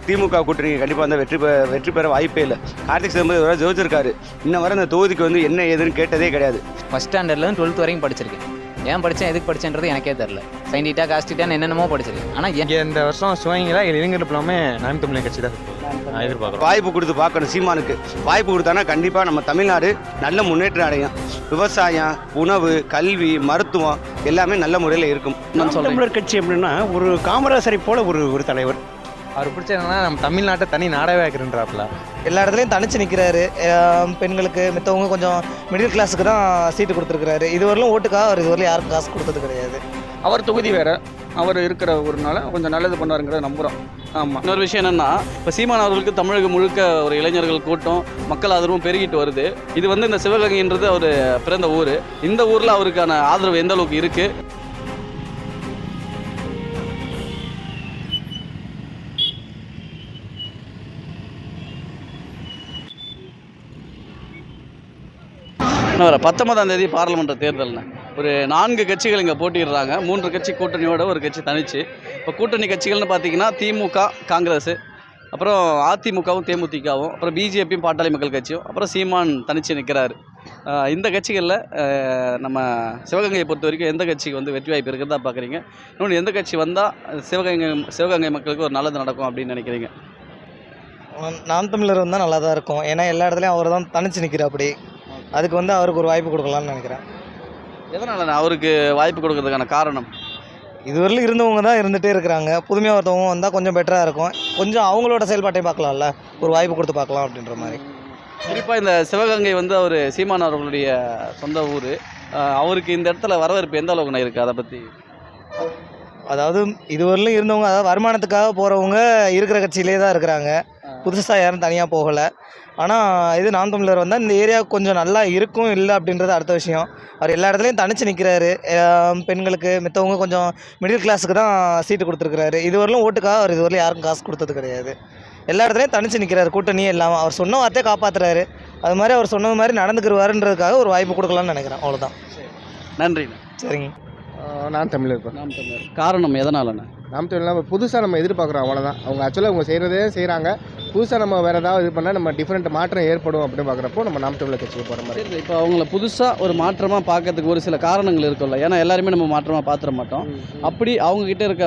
திமுக கூட்டணி கண்டிப்பாக வந்து வெற்றி பெற வாய்ப்பே இல்லை. கார்த்திக் சிதம்பரம் ஜோதிச்சிருக்காரு. இன்ன வரை அந்த தொகுதிக்கு வந்து என்ன ஏதுன்னு கேட்டதே கிடையாது. ஃபஸ்ட் ஸ்டாண்டர்ட்லேருந்து 12th வரைக்கும் படிச்சிருக்கேன். ஏன் படித்தேன் எதுக்கு படித்தேன்றது எனக்கே தெரில. சயின்டிட்டா காஸ்டிட்டான்னு என்னென்னமோ படிச்சிருக்கேன். ஆனால் இந்த வருஷம் சிவகங்கையில் இளைஞர் எல்லாமே நாம் தமிழர் கட்சி தான் எதிர்பார்க்குறோம். வாய்ப்பு கொடுத்து பார்க்கணும். சீமானுக்கு வாய்ப்பு கொடுத்தானா கண்டிப்பாக நம்ம தமிழ்நாடு நல்ல முன்னேற்றம் அடையும். விவசாயம், உணவு, கல்வி, மருத்துவம் எல்லாமே நல்ல முறையில் இருக்கும். நாம் தமிழர் கட்சி எப்படின்னா ஒரு காமராசரை போல ஒரு தலைவர். அவர் பிடிச்சதுன்னா நம்ம தமிழ்நாட்டை தனி நாடவே ஆக்குறாப்புல. எல்லா இடத்துலையும் தனிச்சு நிற்கிறாரு. பெண்களுக்கு மித்தவங்க கொஞ்சம் மிடில் கிளாஸுக்கு தான் சீட்டு கொடுத்துருக்குறாரு. இதுவரையிலும் ஓட்டுக்காக அவர் இதுவரையிலும் யாருக்கும் காசு கொடுத்தது கிடையாது. அவர் தொகுதி வேறு, அவர் இருக்கிற ஒருனால கொஞ்சம் நல்லது பண்ணாருங்கிறத நம்புகிறோம். ஆமாம். இன்னொரு விஷயம் என்னென்னா, இப்போ சீமான் அவர்களுக்கு தமிழகம் முழுக்க ஒரு இளைஞர்கள் கூட்டம், மக்கள் ஆதரவும் பெருகிட்டு வருது. இது வந்து இந்த சிவகங்கைன்றது அவர் பிறந்த ஊர். இந்த ஊரில் அவருக்கான ஆதரவு எந்த அளவுக்கு இருக்குது? வர 19ஆம் தேதி பாராளுமன்ற தேர்தல்னு ஒரு 4 கட்சிகள் இங்கே போட்டிடுறாங்க. 3 கட்சி கூட்டணியோட ஒரு கட்சி தனிச்சு. இப்போ கூட்டணி கட்சிகள்னு பார்த்தீங்கன்னா திமுக, காங்கிரஸ், அப்புறம் அதிமுகவும் தேமுதிகவும், அப்புறம் பிஜேபியும் பாட்டாளி மக்கள் கட்சியும், அப்புறம் சீமான் தனிச்சு நிற்கிறாரு. இந்த கட்சிகளில் நம்ம சிவகங்கையை பொறுத்த வரைக்கும் எந்த கட்சிக்கு வந்து வெற்றி வாய்ப்பு இருக்கிறதா பார்க்குறீங்க? இன்னொன்று எந்த கட்சி வந்தால் சிவகங்கை மக்களுக்கு ஒரு நல்லது நடக்கும் அப்படின்னு நினைக்கிறீங்க? நாம் தமிழர் வந்தால் நல்லா தான் இருக்கும். ஏன்னா எல்லா இடத்துலையும் அவர் தான் தனிச்சு நிற்கிறார். அப்படி அதுக்கு வந்து அவருக்கு ஒரு வாய்ப்பு கொடுக்கலான்னு நினைக்கிறேன். எதனால் அவருக்கு வாய்ப்பு கொடுக்கறதுக்கான காரணம்? இதுவரையிலும் இருந்தவங்க தான் இருந்துகிட்டே இருக்கிறாங்க. புதுமையாக ஒருத்தவங்க வந்தால் கொஞ்சம் பெட்டராக இருக்கும். கொஞ்சம் அவங்களோட செயல்பாட்டையும் பார்க்கலாம்ல, ஒரு வாய்ப்பு கொடுத்து பார்க்கலாம் அப்படின்ற மாதிரி. குறிப்பாக இந்த சிவகங்கை வந்து அவர் சீமான் அவர்களுடைய சொந்த ஊர். அவருக்கு இந்த இடத்துல வரவேற்பு எந்த அளவுக்கு இருக்குது? அதை பற்றி அதாவது இதுவரையிலும் இருந்தவங்க, அதாவது வருமானத்துக்காக போகிறவங்க இருக்கிற கட்சியிலே தான் இருக்கிறாங்க. புதுசாக யாரும் தனியாக போகலை. ஆனால் இது நாம் தமிழர் வந்தால் இந்த ஏரியாவுக்கு கொஞ்சம் நல்லா இருக்கும் இல்லை அப்படின்றது அடுத்த விஷயம். அவர் எல்லா இடத்துலையும் தனிச்சு நிற்கிறாரு. பெண்களுக்கு மித்தவங்க கொஞ்சம் மிடில் கிளாஸுக்கு தான் சீட்டு கொடுத்துருக்குறாரு. இதுவரையிலும் ஓட்டுக்காக அவர் இதுவரையிலும் யாருக்கும் காசு கொடுத்தது கிடையாது. எல்லா இடத்துலையும் தனிச்சு நிற்கிறாரு. கூட்டணியே இல்லாமல் அவர் சொன்ன வார்த்தையை காப்பாற்றுறாரு. அது மாதிரி அவர் சொன்னது மாதிரி நடந்துக்கிடுவாருன்றதுக்காக ஒரு வாய்ப்பு கொடுக்கலான்னு நினைக்கிறேன். அவ்வளோதான். நன்றி. சரிங்க. நாம் தமிழர். நாம் தமிழர் காரணம் எதனாலண்ணா? நாம் தமிழ் புதுசாக நம்ம எதிர்பார்க்குறோம், அவ்வளோதான். அவங்க ஆக்சுவலாக அவங்க செய்கிறதே செய்கிறாங்க. புதுசாக நம்ம வேறு ஏதாவது இது பண்ணால் நம்ம டிஃப்ரெண்ட் மாற்றம் ஏற்படும் அப்படின்னு பார்க்குறப்போ நம்ம நாம் தமிழர் கட்சிக்கு போகிற மாதிரி. சரி, இப்போ அவங்கள புதுசாக ஒரு மாற்றமாக பார்க்கறதுக்கு ஒரு சில காரணங்கள் இருக்கும்ல. ஏன்னா எல்லாருமே நம்ம மாற்றமாக பார்த்துட மாட்டோம். அப்படி அவங்கக்கிட்ட இருக்க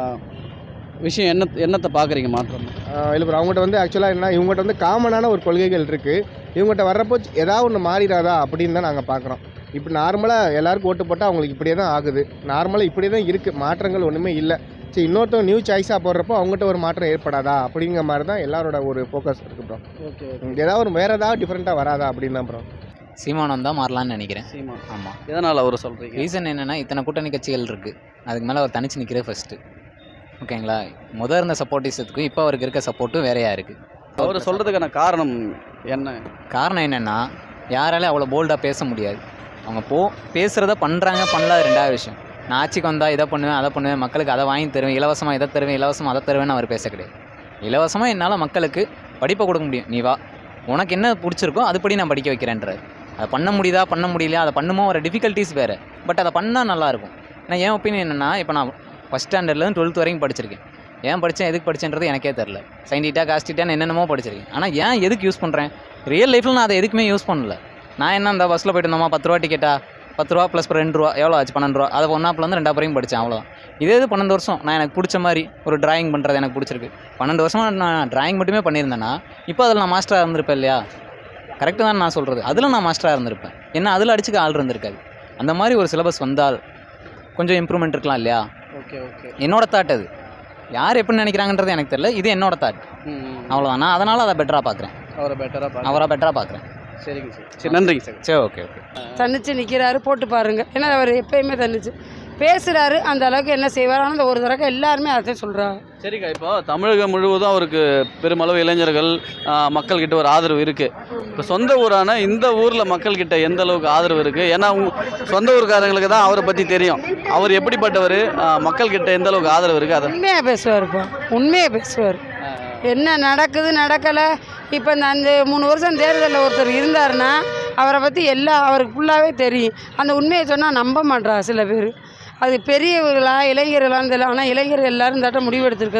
விஷயம் என்னத்தை பார்க்குறீங்க மாற்றம்? இல்லை ப்ரோ, அவங்ககிட்ட வந்து ஆக்சுவலாக என்ன, இவங்ககிட்ட வந்து காமனான ஒரு கொள்கைகள் இருக்குது. இவங்ககிட்ட வர்றப்போ ஏதாவது ஒன்று மாறிடாதா அப்படின்னு தான் நாங்கள் பார்க்குறோம். இப்போ நார்மலாக எல்லாருக்கும் ஓட்டு போட்டால் அவங்களுக்கு இப்படியே தான் ஆகுது. நார்மலாக இப்படியே தான் இருக்குது, மாற்றங்கள் ஒன்றுமே இல்லை. சரி, இன்னொருத்தவங்க நியூ சாய்ஸாக போடுறப்போ அவங்ககிட்ட ஒரு மாற்றம் ஏற்படாதா அப்படிங்கிற மாதிரி தான் எல்லாரோட ஒரு ஃபோக்கஸ் இருக்குது ப்ரோ. ஓகே, ஏதாவது ஒரு வேறு ஏதாவது டிஃப்ரெண்ட்டாக வராதா அப்படின்னு தான் ப்ரோ. சீமான் வந்தால் மாறலான்னு நினைக்கிறேன். சீமான். ஆமாம். எதனால் அவர் சொல்கிறீங்க? ரீசன் என்னென்னா, இத்தனை கூட்டணி கட்சிகள் இருக்குது. அதுக்கு மேலே அவர் தனிச்சு நிற்கிறே ஃபஸ்ட்டு. ஓகேங்களா? முதல் இருந்த சப்போர்ட்டிஸத்துக்கும் இப்போ அவருக்கு இருக்க சப்போர்ட்டும் வேறையாக இருக்குது. அவர் சொல்கிறதுக்கான காரணம் என்ன? காரணம் என்னென்னா, யாராலையும் அவ்வளோ போல்டாக பேச முடியாது. அவங்க பேசுகிறத பண்ணுறாங்க, பண்ணலாது ரெண்டாவது விஷயம். நான் ஆட்சிக்கு வந்தால் இதை பண்ணுவேன், அதை பண்ணுவேன், மக்களுக்கு அதை வாங்கி தருவேன், இலவசமாக இதை தருவேன், இலவசமாக அதை தருவேன்னு அவர் பேச கிடையாது. இலவசமாக என்னால் மக்களுக்கு படிப்பை கொடுக்க முடியும், நீ வா, உனக்கு என்ன பிடிச்சிருக்கோ அதுபடி நான் படிக்க வைக்கிறேன்றாரு. அதை பண்ண முடியுதா பண்ண முடியலையா, அதை பண்ணுமோ ஒரு டிஃபிகல்ட்டிஸ் வேறு. பட் அதை பண்ணால் நல்லாயிருக்கும். நான் என் ஒப்பீனியன் என்னென்னா, இப்போ நான் ஃபஸ்ட் ஸ்டாண்டர்ட்லேருந்து 12th வரைக்கும் படிச்சிருக்கேன். ஏன் படித்தேன் எதுக்கு படித்தேன்றது எனக்கே தெரில. சயின்டிட்டா காஸ்டிட்டான்னு என்னென்னமோ படிச்சிருக்கேன். ஆனால் ஏன் எதுக்கு யூஸ் பண்ணுறேன்? ரியல் லைஃப்பில் நான் அதை எதுக்குமே யூஸ் பண்ணல. நான் என்ன அந்த பஸ்ஸில் போய்ட்டு இருந்தோமா, 10 ரூபா டிக்கெட்டா, 10 ரூபா ப்ளஸ் 2 ரூபா எவ்வளோ ஆச்சு? 12 ரூபா. அதை 1ஆப்லேருந்து 2 வரைக்கும் படித்தேன், அவ்வளோதான். இதே 12 வருஷம் நான் எனக்கு பிடிச்ச மாதிரி ஒரு டிராயிங் பண்ணுறது எனக்கு பிடிச்சிருக்கு. 12 வருஷமாக நான் டிராயிங் மட்டுமே பண்ணியிருந்தேன்னா இப்போ அதில் நான் மாஸ்டராக இருந்திருப்பேன் இல்லையா? கரெக்டு தான் நான் சொல்கிறது. அதில் நான் மாஸ்டராக இருந்திருப்பேன். என்ன அதில் அடிச்சுக்க ஆள் இருந்திருக்காது. அந்த மாதிரி ஒரு சிலபஸ் வந்தால் கொஞ்சம் இம்ப்ரூவ்மெண்ட் இருக்கலாம் இல்லையா? Okay okay. என்னோட தாட் அது. யார் எப்படி நினைக்கிறாங்கன்றது எனக்கு தெரியல. இது என்னோட தாட், அவ்வளோதான். நான் அதனால் அதை பெட்டராக பார்க்குறேன். அவரை பெட்டராக பார்க்குறேன். சரிங்க சார். சரி, நன்றிங்க சார். சரி, ஓகே ஓகே. தன்னிச்சு நிற்கிறாரு, போட்டு பாருங்கள். ஏன்னா அவர் எப்பயுமே தன்னிச்சு பேசுகிறாரு. அந்த அளவுக்கு என்ன செய்வார்? ஆனால் அந்த ஒரு தடவை எல்லாருமே அதை சொல்கிறாங்க. சரிக்கா, இப்போ தமிழகம் முழுவதும் அவருக்கு பெருமளவு இளைஞர்கள் மக்கள்கிட்ட ஒரு ஆதரவு இருக்குது. இப்போ சொந்த ஊரான இந்த ஊரில் மக்கள்கிட்ட எந்த அளவுக்கு ஆதரவு இருக்குது? ஏன்னா சொந்த ஊருக்காரங்களுக்கு தான் அவரை பற்றி தெரியும். அவர் எப்படிப்பட்டவர், மக்கள்கிட்ட எந்த அளவுக்கு ஆதரவு இருக்குது? அதை உண்மையாக பேசுவார்ப்பா, உண்மையாக பேசுவார். என்ன நடக்குது நடக்கலை. இப்போ இந்த அந்த 3 வருஷம் தேர்தலில் ஒருத்தர் இருந்தாருன்னா அவரை பற்றி அவருக்கு ஃபுல்லாகவே தெரியும். அந்த உண்மையை சொன்னால் நம்ப மாட்றா சில பேர். அது பெரியவர்களா இளைஞர்களான்னு தெரியல. ஆனால் இளைஞர்கள் எல்லோரும் தட்ட முடிவு எடுத்திருக்கிறது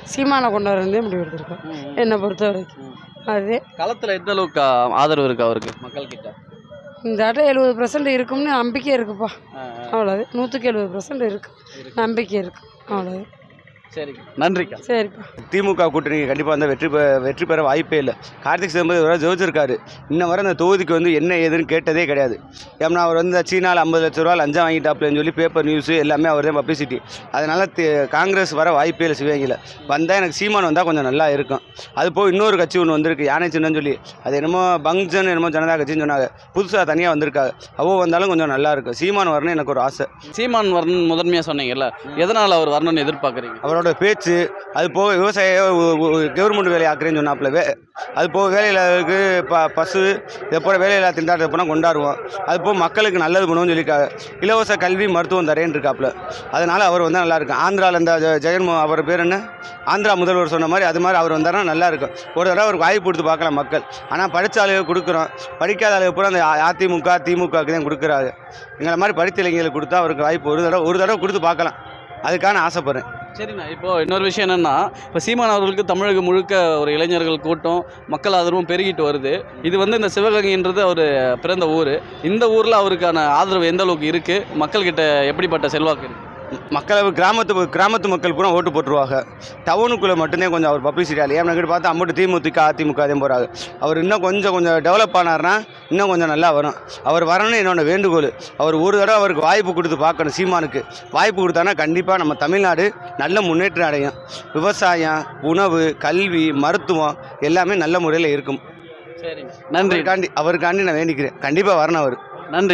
சீமானை கொண்டு வரதே முடிவு எடுத்திருக்கோம் என்னை பொறுத்த வரைக்கும். அது களத்தில் எந்த அளவுக்கு ஆதரவு இருக்கு அவருக்கு மக்கள்கிட்ட? இந்த ஆட்டம் 70% இருக்கும்னு நம்பிக்கை இருக்குப்பா. அவ்வளோது 170% இருக்கு நம்பிக்கை இருக்கு. அவ்வளோது. சரிங்க, நன்றிக்கா. சரிப்பா. திமுக கூட்டணி கண்டிப்பாக வந்து வெற்றி பெற வாய்ப்பே இல்லை. கார்த்திக் சிதம்பரம் இவராக ஜெயிச்சிருக்காரு. இன்ன வரை அந்த தொகுதிக்கு வந்து என்ன ஏதுன்னு கேட்டதே கிடையாது. ஏன்னா அவர் வந்து சீனாவில் 50 லட்ச ரூபா லஞ்சம் வாங்கிட்டாப்லன்னு சொல்லி பேப்பர் நியூஸு எல்லாமே அவர் தான் பப்ளிசிட்டி. அதனால் காங்கிரஸ் வர வாய்ப்பே இல்லை சிவகங்கையில். வந்தால் எனக்கு சீமான் வந்தால் கொஞ்சம் நல்லா இருக்கும். அது போய் இன்னொரு கட்சி ஒன்று வந்திருக்கு, யானை சின்னன்னு சொல்லி. அது என்னமோ பங்ஜன் என்னமோ ஜனதா கட்சின்னு சொன்னாங்க. புதுசாக தனியாக வந்திருக்காங்க. அவ்வளோ வந்தாலும் கொஞ்சம் நல்லா இருக்கும். சீமான் வரணும்னு எனக்கு ஒரு ஆசை. சீமான் வரணும் முதன்மையாக சொன்னீங்கல்ல, எதனால் அவர் வரணும்னு எதிர்பார்க்குறீங்க? அவரோட பேச்சு, அது போக விவசாய கவர்மெண்ட் வேலை ஆக்குறேன்னு சொன்னாப்புல, அது போக வேலையில்லாதவருக்கு பசு இதை போல வேலையில்லா திண்டாட்டத்தை போனால் கொண்டாடுவோம். அது போக மக்களுக்கு நல்லது பண்ணுவோம்னு சொல்லியிருக்காங்க. இலவச கல்வி மருத்துவம் தரேன்னு இருக்காப்புல. அதனால் அவர் வந்தால் நல்லாயிருக்கும். ஆந்திராவில் இந்த ஜெகன்மோகன் அவர் பேர் என்ன, ஆந்திரா முதல்வர் சொன்ன மாதிரி அது மாதிரி அவர் வந்தாருன்னா நல்லாயிருக்கும். ஒரு தடவை அவருக்கு வாய்ப்பு கொடுத்து பார்க்கலாம் மக்கள். ஆனால் படித்த ஆளுகள் கொடுக்குறோம், படிக்காத ஆளுகள் பூரா அந்த அதிமுக திமுகவுக்கு தான் கொடுக்குறாரு. எங்களை மாதிரி படித்த இளைஞர்களுக்கு கொடுத்தா அவருக்கு வாய்ப்பு ஒரு தடவை கொடுத்து பார்க்கலாம். அதுக்கான ஆசைப்படுறேன். சரிண்ணா, இப்போது இன்னொரு விஷயம் என்னென்னா, இப்போ சீமான் அவர்களுக்கு தமிழகம் முழுக்க ஒரு இளைஞர்கள் கூட்டம் மக்கள் ஆதரவும் பெருகிட்டு வருது. இது வந்து இந்த சிவகங்கைன்றது அவர் பிறந்த ஊர். இந்த ஊரில் அவருக்கான ஆதரவு எந்த அளவுக்கு இருக்குது? மக்கள்கிட்ட எப்படிப்பட்ட செல்வாக்கு இருக்குது? மக்கள் கிராமத்து மக்கள் பூரா ஓட்டு போட்டுருவாங்க. டவுனுக்குள்ளே மட்டும்தான் கொஞ்சம் அவர் பப்ளிசிட்டி ஆகலை. ஏன்னா பார்த்தா அம்மட்டு திமுக அதிமுக அதே போகிறாங்க. அவர் இன்னும் கொஞ்சம் டெவலப் ஆனார்னா இன்னும் கொஞ்சம் நல்லா வரும். அவர் வரணும்னு என்னோட வேண்டுகோள். அவர் ஒரு தடவை அவருக்கு வாய்ப்பு கொடுத்து பார்க்கணும். சீமானுக்கு வாய்ப்பு கொடுத்தானா கண்டிப்பாக நம்ம தமிழ்நாடு நல்ல முன்னேற்றம் அடையும். விவசாயம், உணவு, கல்வி, மருத்துவம் எல்லாமே நல்ல முறையில் இருக்கும். சரிங்க, நன்றி. அவருக்காண்டி நான் வேண்டிக்கிறேன். கண்டிப்பாக வரணும் அவர். நன்றி.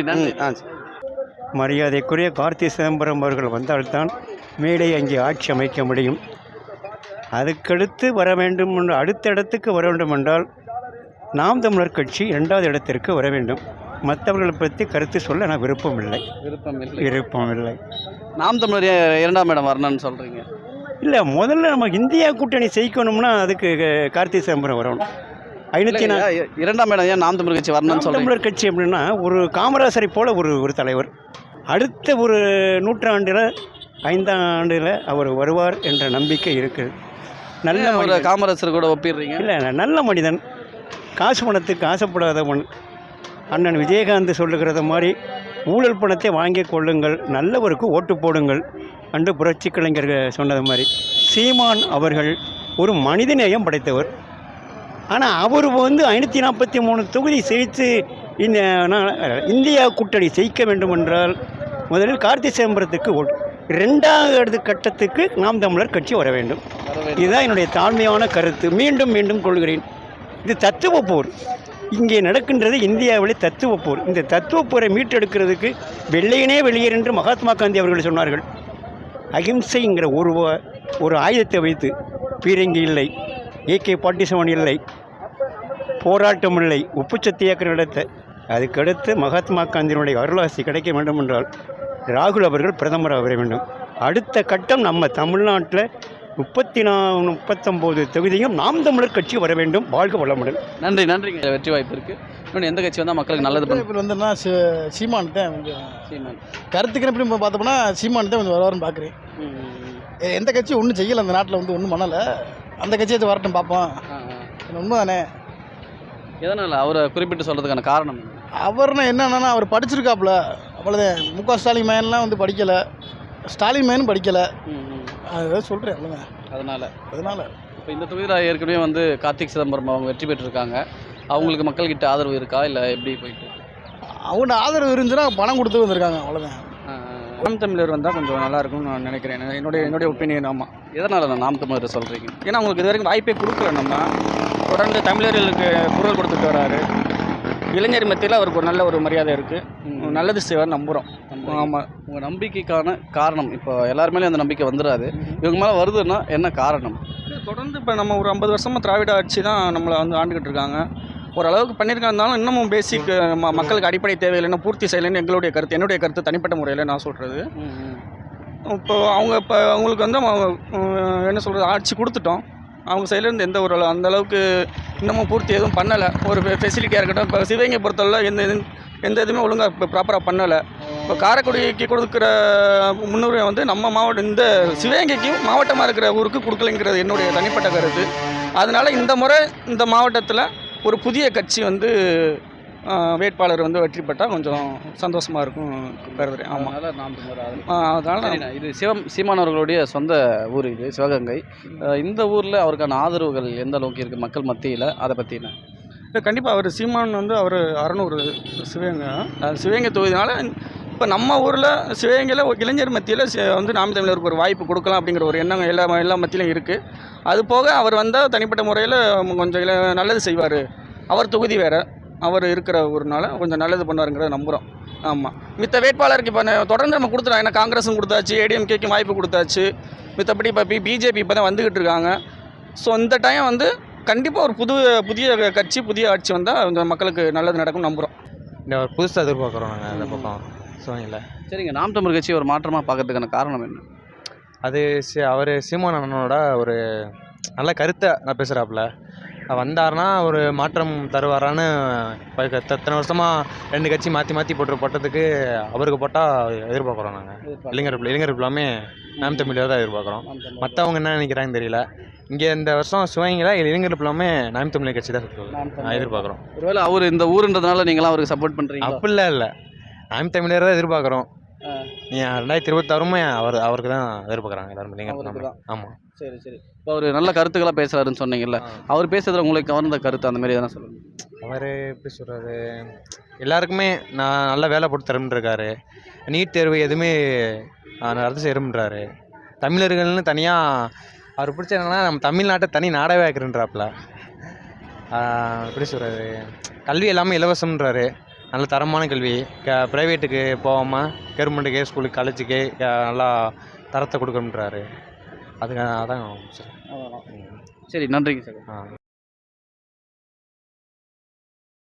மரியாதைக்குரிய கார்த்தி சிதம்பரம் அவர்கள் வந்தால்தான் மேடை அங்கே ஆட்சி அமைக்க முடியும். அதுக்கடுத்து வர வேண்டும், அடுத்த இடத்துக்கு வர வேண்டும் என்றால் நாம் தமிழர் கட்சி 2வது இடத்திற்கு வர வேண்டும். மற்றவர்களை பற்றி கருத்து சொல்ல நான் விருப்பம் இல்லை. நாம் தமிழர் 2ஆம் இடம் வரணும்னு சொல்கிறீங்க? இல்லை, முதல்ல நம்ம இந்தியா கூட்டணி ஜெயிக்கணும்னா அதுக்கு கார்த்தி சிதம்பரம் வரணும். 2ஆம் இடம் ஏன் நாம் தமிழர் கட்சி வரணும்னு சொல்கிறீங்க? தமிழர் கட்சி அப்படின்னா ஒரு காமராசரை போல ஒரு தலைவர். அடுத்த ஒரு நூற்றாண்டில் 5ஆம் ஆண்டில் அவர் வருவார் என்ற நம்பிக்கை இருக்குது. நல்ல ஒரு காமராசர் கூட ஒப்பிடுறீங்க? இல்லை, நல்ல மனிதன், காசு பணத்துக்கு ஆசைப்படாதவன். அண்ணன் விஜயகாந்த் சொல்லுகிறத மாதிரி ஊழல் பணத்தை வாங்கி கொள்ளுங்கள், நல்லவருக்கு ஓட்டு போடுங்கள் என்று புரட்சி கலைஞர் சொன்னது மாதிரி சீமான் அவர்கள் ஒரு மனிதநேயம் படைத்தவர். ஆனால் அவர் வந்து 543 தொகுதி ஜெயித்து இந்த இந்தியா கூட்டணி ஜெயிக்க வேண்டும் என்றால் முதலில் கார்த்தி சிதம்பரத்துக்கு 2வது கட்டத்துக்கு நாம் தமிழர் கட்சி வர வேண்டும். இதுதான் என்னுடைய தாழ்மையான கருத்து. மீண்டும் கொள்கிறேன். இது தத்துவ போர். இங்கே நடக்கின்றது இந்தியாவிலே தத்துவ போர். இந்த தத்துவ போரை மீட்டெடுக்கிறதுக்கு வெள்ளையனே வெளியேறு என்று மகாத்மா காந்தி அவர்கள் சொன்னார்கள். அகிம்சைங்கிற ஒரு ஆயுதத்தை வைத்து பீரங்கி இல்லை, AK-47 இல்லை, போராட்டம் இல்லை, உப்பு சத்தியாகிரகம் நடத்த. அதுக்கடுத்து மகாத்மா காந்தியினுடைய அருளாசி கிடைக்க வேண்டும் என்றால் ராகுல் அவர்கள் பிரதமராக வர வேண்டும். அடுத்த கட்டம் நம்ம தமிழ்நாட்டில் 39 தொகுதியும் நாம் தமிழர் கட்சி வர வேண்டும். வாழ்க வளமுடன். நன்றிங்க. வெற்றி வாய்ப்பு இருக்குது. இன்னொன்று எந்த கட்சி வந்தால் மக்களுக்கு நல்லது இப்போ வந்துன்னா சீமான் தான். சீமான் கருத்துக்கு எப்படி பார்த்தோம்னா சீமான் தான் கொஞ்சம் வருவாருன்னு பார்க்குறேன். எந்த கட்சி ஒன்றும் செய்யலை அந்த நாட்டில், வந்து ஒன்றும் பண்ணலை. அந்த கட்சியை வரட்டும் பார்ப்போம். உண்மை தானே? எதனால் அவரை குறிப்பிட்டு சொல்கிறதுக்கான காரணம்? அவர்னா என்னன்னா அவர் படிச்சிருக்காப்புல, அவ்வளோதான். முக ஸ்டாலின் மேன்லாம் வந்து படிக்கலை, ஸ்டாலின் மேனும் படிக்கலை. அதுதான் சொல்கிறேன், அவ்வளோதான். அதனால் இப்போ இந்த தொகுதியில் ஏற்கனவே வந்து கார்த்திக் சிதம்பரம் அவங்க வெற்றி பெற்றிருக்காங்க. அவங்களுக்கு மக்கள்கிட்ட ஆதரவு இருக்கா, இல்லை எப்படி போயிட்டு? அவங்க ஆதரவு இருந்துச்சுன்னா பணம் கொடுத்து வந்திருக்காங்க, அவ்வளோதான். நாம் தமிழர் வந்தால் கொஞ்சம் நல்லாயிருக்கும்னு நான் நினைக்கிறேன். என்னுடைய ஒப்பீனியன். ஆமாம். எதனால் நான் நாம் தமிழர் சொல்கிறீங்க? ஏன்னா அவங்களுக்கு இது வரைக்கும் வாய்ப்பே கொடுக்கல. நம்ம தொடர்ந்து தமிழர்களுக்கு குரல் கொடுத்துட்டு வராரு. இளைஞர் மத்தியில் அவருக்கு ஒரு நல்ல ஒரு மரியாதை இருக்குது. நல்லது செய்வார் நம்புகிறோம். ஆமாம். உங்கள் நம்பிக்கைக்கான காரணம்? இப்போ எல்லாருமேலேயும் அந்த நம்பிக்கை வந்துடாது, இவங்க மேலே வருதுன்னா என்ன காரணம்? தொடர்ந்து இப்போ நம்ம ஒரு 50 வருஷமாக திராவிட ஆட்சி தான் நம்மளை வந்து ஆண்டுகிட்டு இருக்காங்க. ஓரளவுக்கு பண்ணியிருக்காருந்தாலும் இன்னமும் பேசிக் மக்களுக்கு அடிப்படை தேவையில்லைன்னா பூர்த்தி செய்யலைன்னு என்னுடைய கருத்து தனிப்பட்ட முறையில் நான் சொல்கிறது. இப்போ அவங்களுக்கு வந்து என்ன சொல்கிறது, ஆட்சி கொடுத்துட்டோம். அவங்க சைட்லேருந்து எந்த ஒரு அந்தளவுக்கு இன்னமும் பூர்த்தி எதுவும் பண்ணலை. ஒரு ஃபெசிலிட்டியாக இருக்கட்டும். இப்போ சிவகங்கை பொறுத்தவரை எந்த எதுவுமே ஒழுங்காக இப்போ ப்ராப்பராக பண்ணலை. இப்போ காரைக்குடிக்கு கொடுக்குற முன்னுரிமை வந்து நம்ம மாவட்டம் இந்த சிவகங்கைக்கும் மாவட்டமாக இருக்கிற ஊருக்கு கொடுக்கலைங்கிறது என்னுடைய தனிப்பட்ட கருத்து. அதனால் இந்த முறை இந்த மாவட்டத்தில் ஒரு புதிய கட்சி வந்து வேட்பாளர் வந்து வெற்றி பெற்றால் கொஞ்சம் சந்தோஷமாக இருக்கும் கருதுறேன். ஆமாம், அதனால் இது சீமானவர்களுடைய சொந்த ஊர் இது சிவகங்கை. இந்த ஊரில் அவருக்கான ஆதரவுகள் எந்த அளவுக்கு இருக்குது மக்கள் மத்தியில், அதை பற்றின? இல்லை, கண்டிப்பாக அவர் சீமான் வந்து அவர் 600 சிவகங்கை தொகுதினால இப்போ நம்ம ஊரில் சிவகங்கையில் இளைஞர் மத்தியில் வந்து நாம் தமிழருக்கு ஒரு வாய்ப்பு கொடுக்கலாம் அப்படிங்கிற ஒரு எண்ணம் எல்லா மத்தியிலும் இருக்குது. அது போக அவர் வந்தால் தனிப்பட்ட முறையில் கொஞ்சம் நல்லது செய்வார். அவர் தொகுதி வேறு, அவர் இருக்கிற ஊர்னால கொஞ்சம் நல்லது பண்ணுவாருங்கிறத நம்புகிறோம். ஆமாம், மித்த வேட்பாளருக்கு இப்போ தொடர்ந்து நம்ம கொடுத்துட்டோம். ஏன்னா காங்கிரஸும் கொடுத்தாச்சு, ஏடிஎம்கேக்கும் வாய்ப்பு கொடுத்தாச்சு. மித்தபடி இப்போ பிஜேபி இப்போ தான் வந்துக்கிட்டு இருக்காங்க. ஸோ இந்த டைம் வந்து கண்டிப்பாக ஒரு புதிய கட்சி, புதிய ஆட்சி வந்தால் கொஞ்சம் மக்களுக்கு நல்லது நடக்கும்னு நம்புகிறோம். இந்த ஒரு புதுசாக எதிர்பார்க்குறோம் நாங்கள் அந்த பக்கம் சிவகங்கையில். சரிங்க, நாம் தமிழர் கட்சி ஒரு மாற்றமாக பார்க்கறதுக்கான காரணம் என்ன? அது அவர் சீமான் அண்ணனோட ஒரு நல்ல கருத்தை நான் பேசுகிறாப்புல வந்தார்னா ஒரு மாற்றம் தருவாரான்னு இப்போ எத்தனை வருஷமாக 2 கட்சி மாற்றி போட்டதுக்கு அவருக்கு போட்டால் எதிர்பார்க்குறோம் நாங்கள். இளைஞர் எல்லாமே நாம் தமிழர் தான் எதிர்பார்க்குறோம். மற்றவங்க என்ன நினைக்கிறாங்கன்னு தெரியல. இங்கே இந்த வருஷம் சிவகங்கையில் இளைஞர் எல்லாமே நாம் தமிழர் கட்சி தான் நான் எதிர்பார்க்குறோம். ஒருவேளை அவர் இந்த ஊருன்றதுனால நீங்களாம் அவருக்கு சப்போர்ட் பண்ணுறீங்க? அப்படிலாம் இல்லை, நாம் தமிழர் தான் எதிர்பார்க்குறோம். 2026 அவருக்கு தான் எதிர்பார்க்குறாங்க எல்லாரும் இளைஞர். ஆமாம். சரி. இப்போ அவர் நல்ல கருத்துக்களாக பேசுகிறாருன்னு சொன்னீங்கல்ல, அவர் பேசுறதுல உங்களுக்கு கவர்ந்த கருத்து அந்த மாதிரி எதனா சொல்லுங்கள். அவர் எப்படி சொல்கிறது, எல்லாருக்குமே நான் நல்ல வேலை போட்டு தரேன்ருக்காரு. நீட் தேர்வு எதுவுமே ரத்து செய்யறோம்ன்றாரு. தமிழர்கள்னு தனியாக அவர் பிடிச்ச என்னன்னா நம்ம தமிழ்நாட்டை தனி நாடாகவே ஆக்குறேன்றாப்புல. எப்படி சொல்கிறது, கல்வி எல்லாமே இலவசம்ன்றாரு. நல்ல தரமான கல்வி, ப்ரைவேட்டுக்கு போகாமல் கவர்மெண்ட்டுக்கே ஸ்கூலுக்கு காலேஜுக்கே நல்லா தரத்தை கொடுக்கணுன்றாரு. அதுக்கு அதான் சரி, நன்றிங்க சார்.